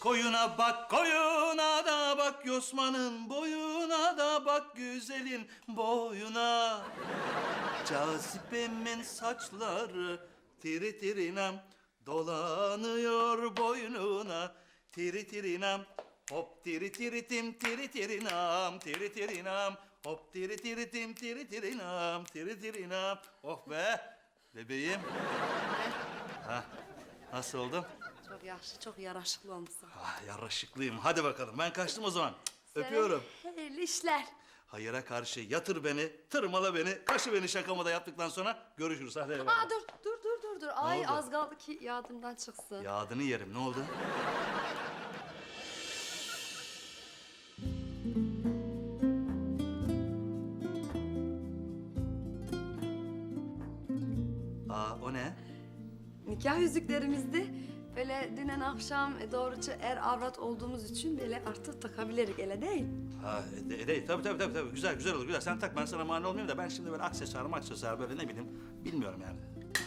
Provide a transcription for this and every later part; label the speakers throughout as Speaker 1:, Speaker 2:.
Speaker 1: Koyuna bak, koyuna da bak, Yosman'ın boyuna da bak, güzelin boyuna. Cazibemin saçları tiri tirinam, dolanıyor boynuna. Tiri tirinam, hop tiri tiritim, tiri tirinam, tiri tirinam. Hop tiri tiritim, tiri tirinam, tiri tirinam. Oh be, bebeğim. Ha, nasıl oldum?
Speaker 2: Çok yaxşı, çok yaraşıklı olmuşsun.
Speaker 1: Ah, yaraşıklıyım. Hadi bakalım. Ben kaçtım o zaman. Öpüyorum.
Speaker 2: Hayırlı işler.
Speaker 1: Hayıra karşı yatır beni, tırmala beni, kaşı beni şakamı da yaptıktan sonra görüşürüz. Hadi eyvallah.
Speaker 2: Aa dur. Ay
Speaker 1: oldu?
Speaker 2: az kaldı ki yardımdan çıksın.
Speaker 1: Yağdını yerim. Ne oldu? Aa, o ne?
Speaker 2: Nikah yüzüklerimizdi. Böyle dünen akşam doğruca er avrat olduğumuz için böyle artık takabilirik, öyle değil.
Speaker 1: Ha, değil. Tabii. Güzel olur, güzel. Sen tak, ben sana mani olmayayım da ben şimdi böyle aksesuar böyle ne bileyim, bilmiyorum yani.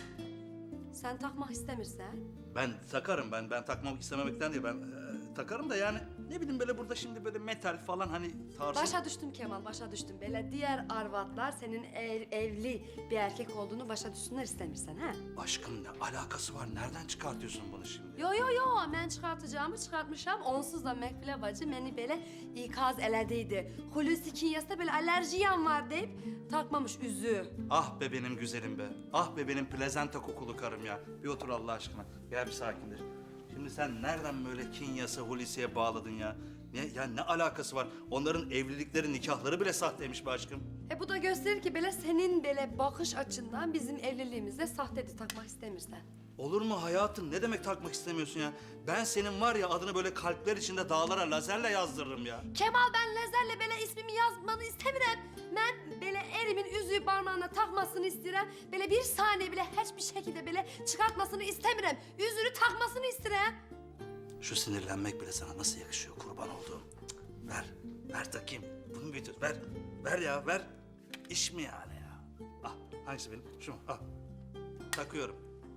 Speaker 2: Sen takmak istemirsen.
Speaker 1: Ben takarım, ben takmak istememekten değil. Ben takarım da yani ne bileyim böyle burada şimdi böyle metal falan hani tarzı...
Speaker 2: Başa düştüm Kemal, başa düştüm. Böyle diğer arvatlar senin evli bir erkek olduğunu başa düşsünler istemirsen ha.
Speaker 1: Aşkım ne alakası var? Nereden çıkartıyorsun bunu şimdi?
Speaker 2: Yo, ben çıkartacağımı çıkartmışam. Onsuz da Mekbile bacı beni böyle ikaz elediydi. Hulusi Kinyas'ta böyle alerjiyam var deyip takmamış üzüğü.
Speaker 1: Ah be benim güzelim be. Ah be benim plezenta kokulu karım ya. Bir otur Allah aşkına. Gel bir sakinleş. Şimdi sen nereden böyle Kinyas'ı Hulusi'ye bağladın ya? Ne alakası var? Onların evlilikleri, nikahları bile sahteymiş be aşkım.
Speaker 2: Bu da gösterir ki böyle senin böyle bakış açından bizim evliliğimizde sahtedi takmak istemirsen.
Speaker 1: Olur mu hayatım? Ne demek takmak istemiyorsun ya? Ben senin var ya adını böyle kalpler içinde dağlara lazerle yazdırırım ya.
Speaker 2: Kemal ben Lezer'le böyle ismimi yazmanı istemiyorum. Ben böyle erimin yüzüğü parmağına takmasını isterim. Böyle bir saniye bile hiçbir şekilde böyle çıkartmasını istemiyorum. Yüzüğünü takmasını isterim.
Speaker 1: Şu sinirlenmek bile sana nasıl yakışıyor kurban olduğum. Cık, ver takayım. Bunu bir tut, ver ya, ver. İş mi yani ya? Ah, hangisi benim? Şu mu? Ah, takıyorum.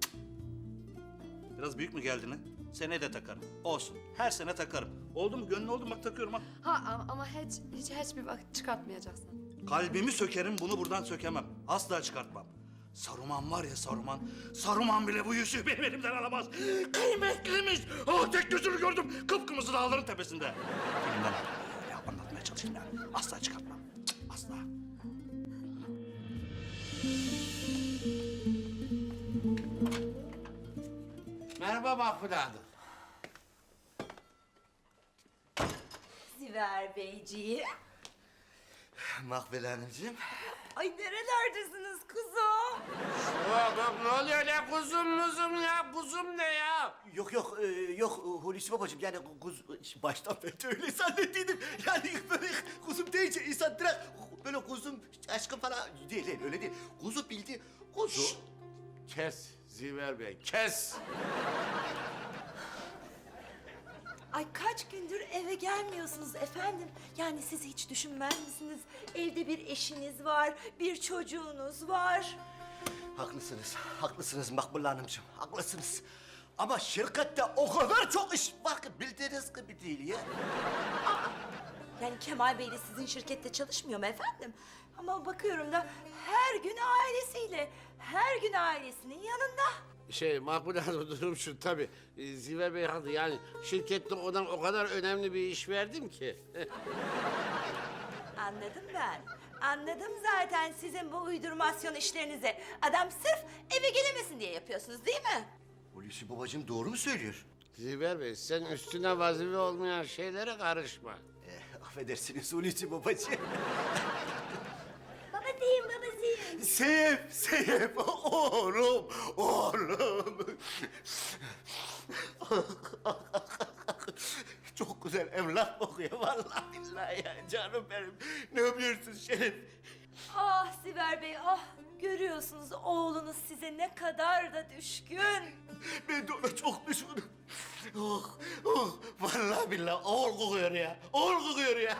Speaker 1: Biraz büyük mü geldi ne? Seneye de takarım. Olsun, her sene takarım. Oldu mu? Gönlün oldu mu? Bak takıyorum ha.
Speaker 2: Ama hiçbir vakit çıkartmayacaksın.
Speaker 1: Kalbimi sökerim, bunu buradan sökemem. Asla çıkartmam. Saruman var ya Saruman. Saruman bile bu yüzüğü benim elimden alamaz. Kıymetliymiş. Oh, tek gözünü gördüm. Kıpkırmızı dağların tepesinde. Elimden al. Ya, anlatmaya çalışayım yani. Asla çıkartmam. Cık, asla.
Speaker 3: Merhaba Mahfude Hanım.
Speaker 4: Ziver Beyciğim.
Speaker 1: Makbule Hanımcığım.
Speaker 4: Ay nerelerdesiniz kuzum?
Speaker 3: Bak ne oluyor ne kuzum muzum ya? Kuzum ne ya?
Speaker 5: Yok Hulusi babacığım yani baştan beri öyle zannettiydim. Yani böyle kuzum deyince insan direkt böyle kuzum aşkım falan değil öyle değil. Kuzu bildi kuzu.
Speaker 3: Kes Ziver Bey kes.
Speaker 4: Ay kaç gündür eve gelmiyorsunuz efendim. Yani siz hiç düşünmez misiniz? Evde bir eşiniz var, bir çocuğunuz var.
Speaker 5: Haklısınız Makbule Hanımcığım haklısınız. Ama şirkette o kadar çok iş var ki bildiğiniz gibi değil ya.
Speaker 4: Yani Kemal Bey de sizin şirkette çalışmıyor mu efendim? Ama bakıyorum da her gün ailesiyle, her gün ailesinin yanında.
Speaker 3: Mahfude Hanım durum şu tabii. Ziver Bey haklı yani şirkette ona o kadar önemli bir iş verdim ki.
Speaker 4: Anladım ben. Anladım zaten sizin bu uydurmasyon işlerinizi. Adam sırf eve gelemesin diye yapıyorsunuz değil mi?
Speaker 5: Hulusi babacığım doğru mu söylüyor?
Speaker 3: Ziver Bey sen üstüne vazife olmayan şeylere karışma.
Speaker 5: Affedersiniz Hulusi babacığım.
Speaker 4: Babacığım, babacığım.
Speaker 5: Sevim, oğlum. Çok güzel evlat bakıyor vallahi billahi ya canım benim. Ne yapıyorsun Şerif?
Speaker 4: Ah Siver Bey, ah. Görüyorsunuz oğlunuz size ne kadar da düşkün.
Speaker 5: Ben de ona çok düşkünüm. Vallahi billahi oğul kokuyor ya. Oğul kokuyor ya.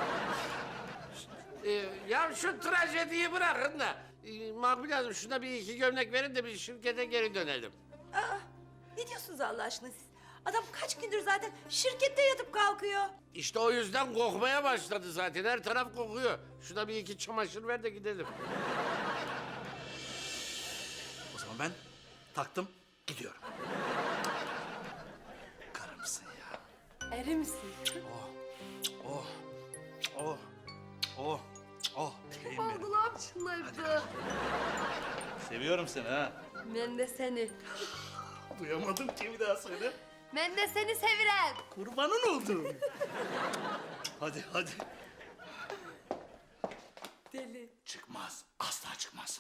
Speaker 3: Ya şu trajediyi bırakın da. Makbule Hanım şuna bir iki gömlek verin de bir şirkete geri dönelim.
Speaker 4: Aa, ne diyorsunuz Allah aşkına siz? Adam kaç gündür zaten şirkette yatıp kalkıyor.
Speaker 3: İşte o yüzden kokmaya başladı zaten. Her taraf kokuyor. Şuna bir iki çamaşır ver de gidelim.
Speaker 1: O zaman ben taktım gidiyorum. Karımsın ya.
Speaker 2: Eri misin?
Speaker 1: Oh, oh, oh, oh. Bebeğim benim.
Speaker 2: Oldu lan şunları.
Speaker 1: Seviyorum seni ha.
Speaker 2: Ben de seni.
Speaker 1: Duyamadım ki bir daha söyle.
Speaker 2: Ben de seni sevirem.
Speaker 1: Kurbanın oldum. Hadi hadi.
Speaker 2: Deli.
Speaker 1: Çıkmaz. Asla çıkmaz.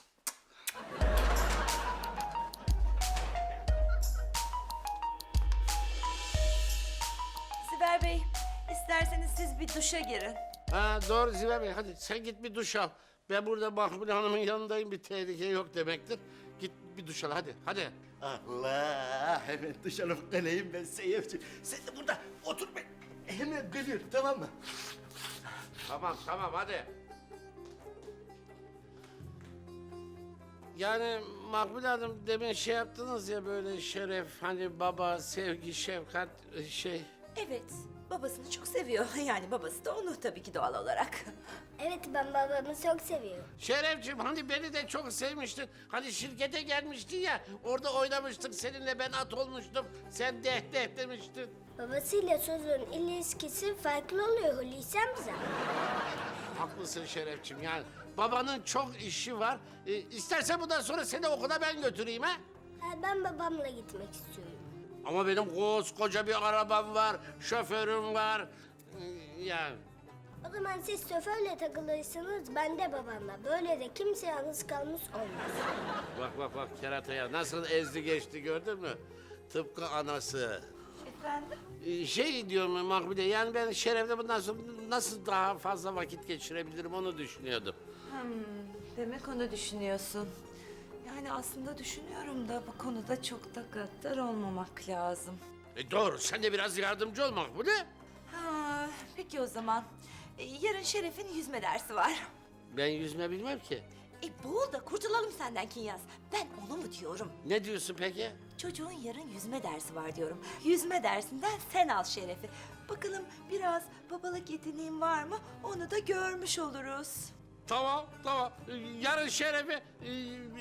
Speaker 4: Sibel Bey, isterseniz siz bir duşa girin.
Speaker 3: Ha doğru Ziver Bey, hadi sen git bir duş al. Ben burada Makbule Hanım'ın yanındayım, bir tehlike yok demektir. Git bir duş al, hadi.
Speaker 5: Allah, hemen duş alıp geleyim ben Seyefciğim. Sen de burada otur ben. Hemen geliyorum, tamam mı?
Speaker 3: Tamam hadi. Yani Makbule Hanım demin şey yaptınız ya, böyle şeref, hani baba, sevgi, şefkat şey.
Speaker 4: Evet, babasını çok seviyor. Yani babası da onu tabii ki doğal olarak.
Speaker 6: Evet ben babamı çok seviyorum.
Speaker 3: Şerefciğim, hani beni de çok sevmiştin. Hani şirkete gelmiştin ya, orada oynamıştık seninle, ben at olmuştum. Sen deh demiştin.
Speaker 6: Babasıyla çocuğun ilişkisi farklı oluyor Hulusi amca.
Speaker 3: Haklısın Şerefciğim, yani babanın çok işi var. İstersen bundan sonra seni okula ben götüreyim ha.
Speaker 6: Ben babamla gitmek istiyorum.
Speaker 3: Ama benim koskoca bir arabam var, şoförüm var. Yani
Speaker 6: O zaman siz şoförle takılırsınız, ben de babamla. Böyle de kimse yalnız kalmış olmaz.
Speaker 3: bak kerataya nasıl ezdi geçti, gördün mü? Tıpkı anası.
Speaker 4: Efendim?
Speaker 3: Şey diyorum Makbule, yani ben Şeref'le bundan sonra nasıl daha fazla vakit geçirebilirim onu düşünüyordum.
Speaker 4: Demek onu düşünüyorsun. Yani aslında düşünüyorum da bu konuda çok da gaddar olmamak lazım.
Speaker 3: Doğru, sen de biraz yardımcı ol Makbule.
Speaker 4: Ha, peki o zaman. Yarın Şeref'in yüzme dersi var.
Speaker 3: Ben yüzme bilmem ki.
Speaker 4: Boğul da kurtulalım senden Kinyas. Ben onu mu diyorum?
Speaker 3: Ne diyorsun peki?
Speaker 4: Çocuğun yarın yüzme dersi var diyorum. Yüzme dersinden sen al Şeref'i. Bakalım biraz babalık yeteneğin var mı? Onu da görmüş oluruz.
Speaker 3: Tamam. Yarın Şeref'i